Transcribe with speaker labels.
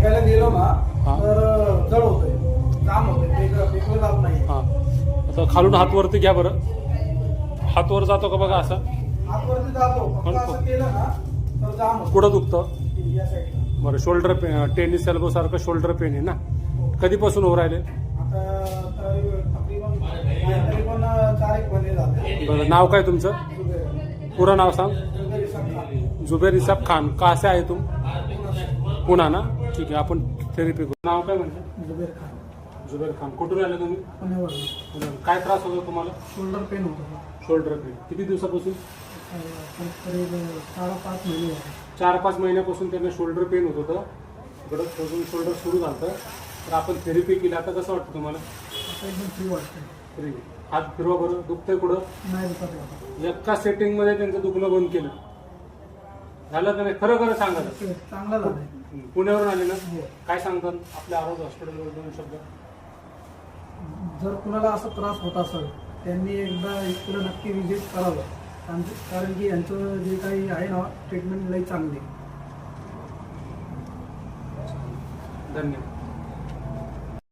Speaker 1: फेकायला गेलो ना
Speaker 2: हा.
Speaker 1: तर जड होतंय, जाम होतंय, फेकलं जात नाही.
Speaker 2: हां आता खालून हात वरती घ्या बरं. हात वर जातो का बघा असा.
Speaker 1: हातवरती जातो, फक्त असं केलं ना तर जाम होतं.
Speaker 2: कुठं दुखतं
Speaker 1: या साईडला.
Speaker 2: बरं. शोल्डर पेन, टेनिस एल्बो सारखं शोल्डर पेन आहे ना. कधीपासून होऊ राहिले.
Speaker 1: आता तकरीबन 4-1 महिने झाले.
Speaker 2: बरं. नाव काय तुमचं. पूरा नाव सांग. जुबेर इसाब खान. कहाँ से आहे तुम. पुणा ना. ठीक आहे आपण थेरपी करू. नाव काय म्हणजे.
Speaker 1: जुबेर खान.
Speaker 2: जुबेर खान. कुठून आले तुम्ही.
Speaker 1: पुण्यावरून.
Speaker 2: काय त्रास होतो तुम्हाला.
Speaker 1: शोल्डर पेन होतो.
Speaker 2: Shoulder pain. किती दिवसापासून.
Speaker 1: करीब 4-5 महिने झाले.
Speaker 2: 4-5 महिन्यापासून त्यांना शोल्डर पेन होत होतं. इकडं शोल्डर सुरू झालं. तर आपण थेरपी केली. आता कसं वाटतं तुम्हाला.
Speaker 1: आता एकदम फ्री वाटतंय.
Speaker 2: फ्री. हात फिरवा बरं. दुखतंय कुठं.
Speaker 1: नाही दुखत आता.
Speaker 2: एका सेटिंग मध्ये त्यांचं दुखणं बंद केलं. झालं का नाही. खरं खरं सांगा.
Speaker 1: चांगला झालाय.
Speaker 2: पुण्यावरून आले ना.
Speaker 1: हो.
Speaker 2: काय सांगतात आपल्या आरोग्य हॉस्पिटलवर 2 शब्द.
Speaker 1: जर कुणाला असा त्रास होत असेल त्यांनी एकदा इकडे नक्की विजिट करावं. कारण की यांचं जे काही आहे ना ट्रीटमेंट लई चांगली.
Speaker 2: धन्यवाद.